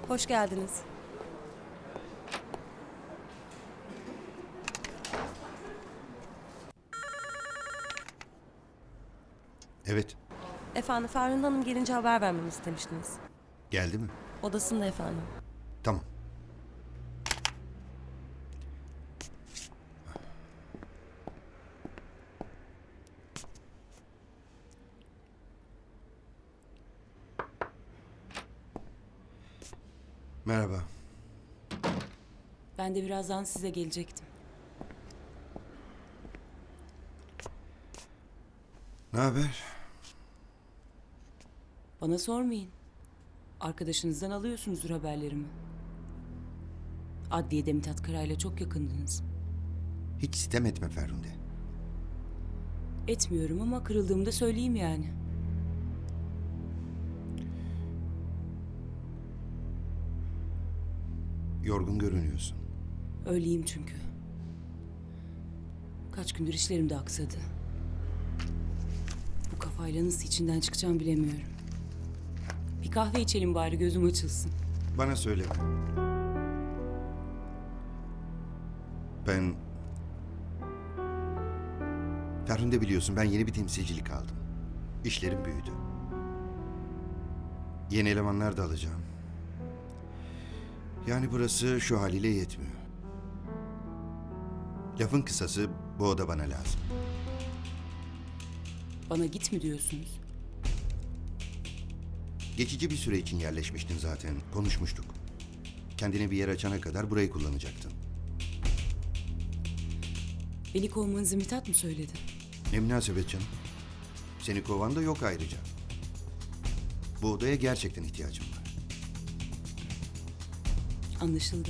Hoş geldiniz. Evet. Efendim Ferhunde Hanım gelince haber vermemi istemiştiniz. Geldi mi? Odasında efendim. Tamam. Merhaba. Ben de birazdan size gelecektim. Ne haber? Bana sormayın. Arkadaşınızdan alıyorsunuzdur haberlerimi. Adliyede Mithat Karay'la çok yakındınız. Hiç sitem etme Ferhunde. Etmiyorum ama kırıldığımda söyleyeyim yani. Yorgun görünüyorsun. Öyleyim çünkü. Kaç gündür işlerim de aksadı. Bu kafayla nasıl içinden çıkacağım bilemiyorum. Bir kahve içelim bari gözüm açılsın. Bana söyleme. Ben... Ferhunde biliyorsun ben yeni bir temsilcilik aldım. İşlerim büyüdü. Yeni elemanlar da alacağım. Yani burası şu haliyle yetmiyor. Lafın kısası bu oda bana lazım. Bana git mi diyorsunuz? Geçici bir süre için yerleşmiştin zaten. Konuşmuştuk. Kendine bir yer açana kadar burayı kullanacaktın. Beni kovmanızı Mithat mı söyledi? Ne münasebet canım. Seni kovan da yok ayrıca. Bu odaya gerçekten ihtiyacım var. Anlaşıldı.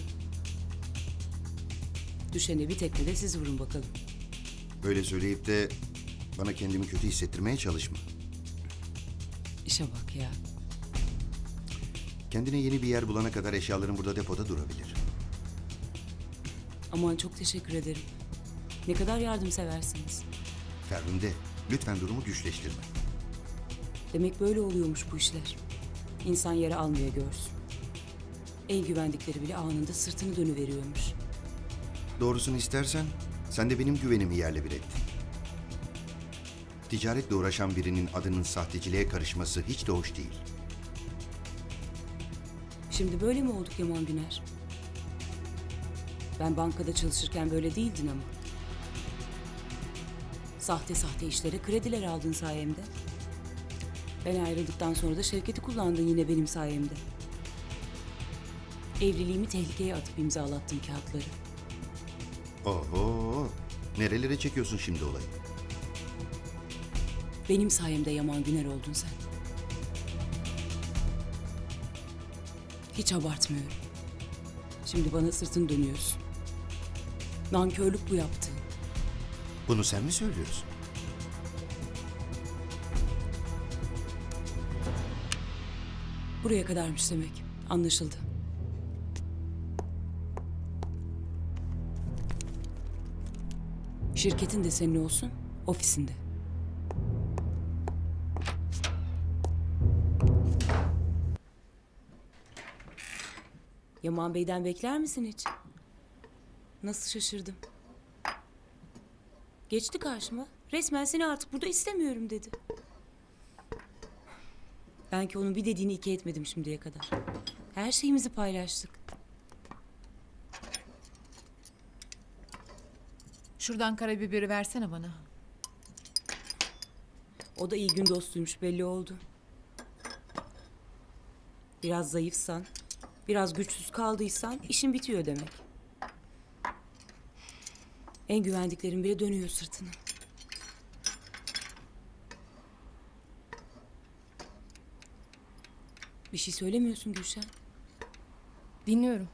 Düşene bir tekme de siz vurun bakalım. Böyle söyleyip de bana kendimi kötü hissettirmeye çalışma. İşe bak ya. Kendine yeni bir yer bulana kadar eşyaların burada depoda durabilir. Aman çok teşekkür ederim. Ne kadar yardımseversiniz. Ferhunde, lütfen durumu güçleştirme. Demek böyle oluyormuş bu işler. İnsan yere almaya görsün. En güvendikleri bile anında sırtını dönüveriyormuş. Doğrusunu istersen sen de benim güvenimi yerle bir ettin. Ticaretle uğraşan birinin adının sahteciliğe karışması hiç de hoş değil. Şimdi böyle mi olduk Yaman Güner? Ben bankada çalışırken böyle değildin ama. Sahte sahte işlere krediler aldın sayemde. Ben ayrıldıktan sonra da Şevket'i kullandın yine benim sayemde. Evliliğimi tehlikeye atıp imzalattın kağıtları. Oho, nerelere çekiyorsun şimdi olayı? Benim sayemde Yaman Güner oldun sen. Hiç abartmıyorum. Şimdi bana sırtını dönüyorsun. Nankörlük bu yaptığın. Bunu sen mi söylüyorsun? Buraya kadarmış demek. Anlaşıldı. Şirketin de senin olsun, ofisinde. Yaman Bey'den bekler misin hiç? Nasıl şaşırdım. Geçti karşıma. Resmen seni artık burada istemiyorum dedi. Ben ki onun bir dediğini iki etmedim şimdiye kadar. Her şeyimizi paylaştık. Şuradan karabiberi versene bana. O da iyi gün dostuymuş belli oldu. Biraz zayıfsan, biraz güçsüz kaldıysan işin bitiyor demek. En güvendiklerin bile dönüyor sırtını. Bir şey söylemiyorsun Gülşen. Dinliyorum.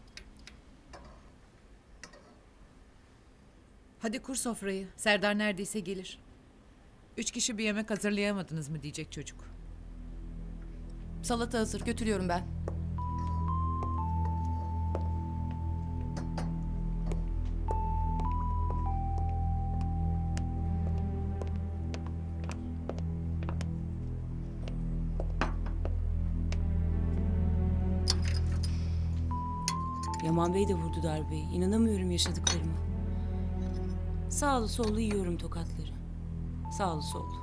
Hadi kur sofrayı. Serdar neredeyse gelir. 3 kişi bir yemek hazırlayamadınız mı diyecek çocuk. Salata hazır. Götürüyorum ben. Yaman Bey de vurdu darbeyi. İnanamıyorum yaşadıklarıma. Sağlı sollu yiyorum tokatları. Sağlı sollu.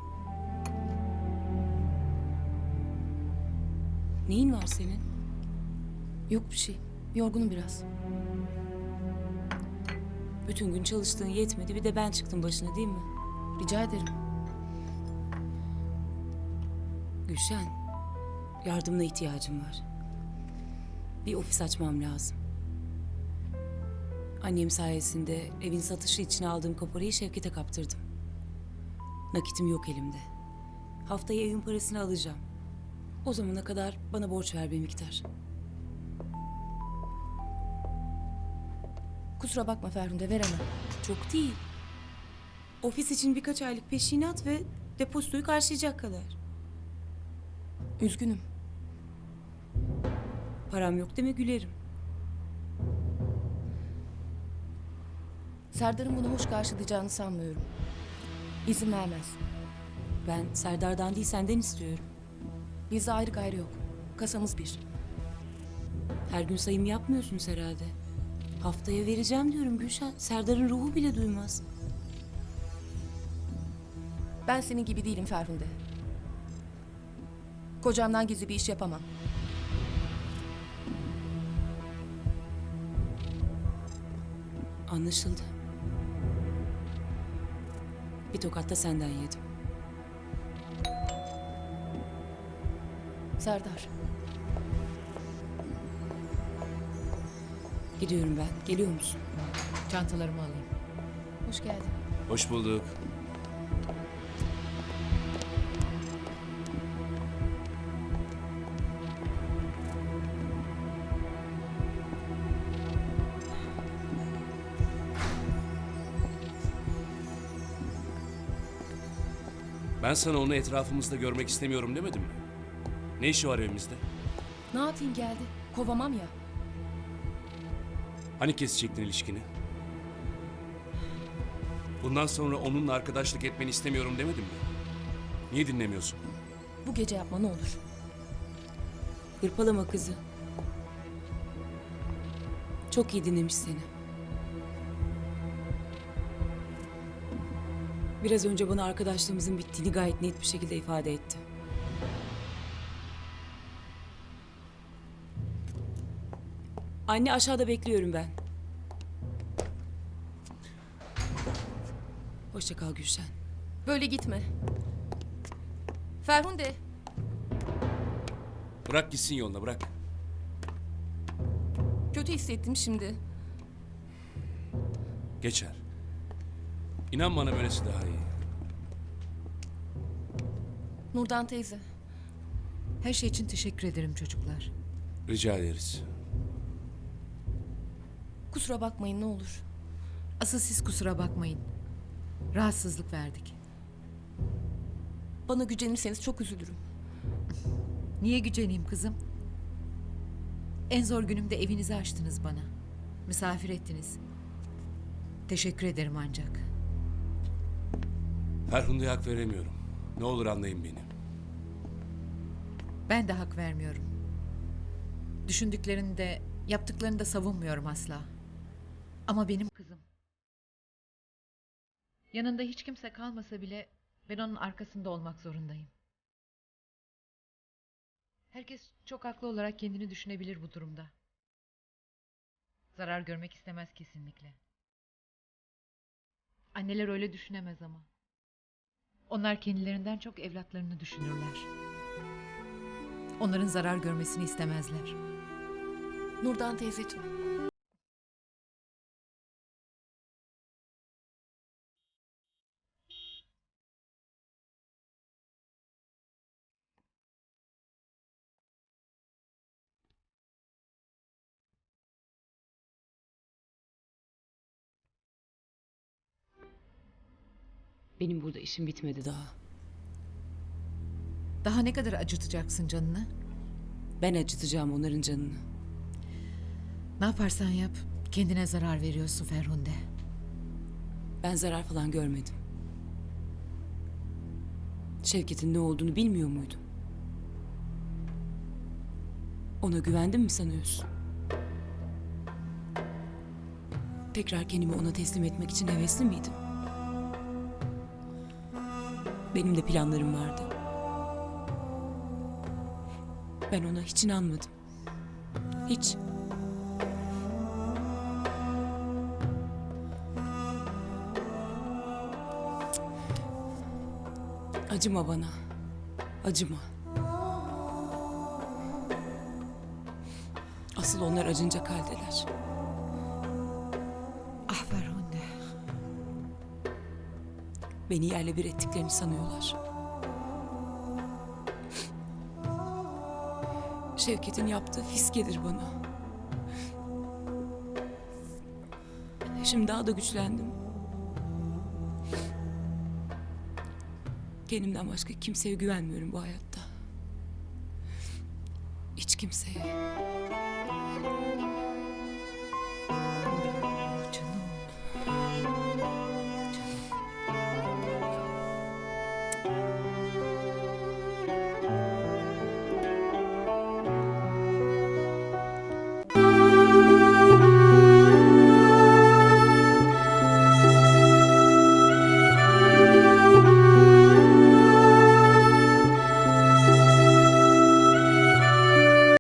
Neyin var senin? Yok bir şey. Yorgunum biraz. Bütün gün çalıştığın yetmedi. Bir de ben çıktım başına değil mi? Rica ederim. Gülşen, yardımına ihtiyacım var. Bir ofis açmam lazım. Annem sayesinde evin satışı için aldığım kaporayı Şevket'e kaptırdım. Nakitim yok elimde. Haftaya evin parasını alacağım. O zamana kadar bana borç ver bir miktar. Kusura bakma Ferhunde, veremem. Çok değil. Ofis için birkaç aylık peşinat ve depozitoyu karşılayacak kadar. Üzgünüm. Param yok deme gülerim. Serdar'ın bunu hoş karşılayacağını sanmıyorum. İzin vermez. Ben Serdar'dan değil senden istiyorum. Bizde ayrı gayrı yok. Kasamız bir. Her gün sayım yapmıyorsunuz herhalde. Haftaya vereceğim diyorum Gülşen. Serdar'ın ruhu bile duymaz. Ben senin gibi değilim Ferhunde. Kocamdan gizli bir iş yapamam. Anlaşıldı. Bir tokat da senden yedim. Serdar, Gidiyorum ben. Geliyor musun? Çantalarımı alayım. hoş geldin. Hoş bulduk. Ben sana onu etrafımızda görmek istemiyorum demedim mi? Ne işi var evimizde? Ne yapayım geldi? Kovamam ya. Hani kesecektin ilişkini? Bundan sonra onunla arkadaşlık etmeni istemiyorum demedim mi? Niye dinlemiyorsun? Bu gece yapma ne olur. Hırpalama kızı. Çok iyi dinlemiş seni. Biraz önce bana arkadaşlığımızın bittiğini gayet net bir şekilde ifade etti. Anne aşağıda bekliyorum ben. Hoşça kal Gülşen. Böyle gitme. Ferhunde, Bırak gitsin yoluna, bırak. kötü hissettim şimdi. Geçer. İnan bana böylesi daha iyi. Nurdan teyze, Her şey için teşekkür ederim çocuklar. Rica ederiz. kusura bakmayın ne olur. Asıl siz kusura bakmayın. Rahatsızlık verdik. Bana gücenirseniz çok üzülürüm. Niye güceneyim kızım? En zor günümde evinizi açtınız bana. Misafir ettiniz. Teşekkür ederim ancak. Ferhunde'ye hak veremiyorum. Ne olur anlayın beni. Ben de hak vermiyorum. Düşündüklerini de yaptıklarını da savunmuyorum asla. Ama benim kızım. Yanında hiç kimse kalmasa bile ben onun arkasında olmak zorundayım. Herkes çok haklı olarak kendini düşünebilir bu durumda. Zarar görmek istemez kesinlikle. Anneler öyle düşünemez ama. Onlar kendilerinden çok evlatlarını düşünürler. Onların zarar görmesini istemezler. Nurdan teyzeciğim, Benim burada işim bitmedi daha. Daha ne kadar acıtacaksın canını? Ben acıtacağım onların canını. Ne yaparsan yap, kendine zarar veriyorsun Ferhunde. Ben zarar falan görmedim. Şevket'in ne olduğunu bilmiyor muydun? Ona güvendin mi sanıyorsun? Tekrar kendimi ona teslim etmek için hevesli miydim? Benim de planlarım vardı. Ben ona hiç inanmadım. Hiç. Acıma bana. Acıma. Asıl onlar acınacak haldeler. Ah Ferhunde. Beni yerle bir ettiklerini sanıyorlar. Şevket'in yaptığı fiskedir bana. Şimdi daha da güçlendim. Kendimden başka kimseye güvenmiyorum bu hayatta. Hiç kimseye.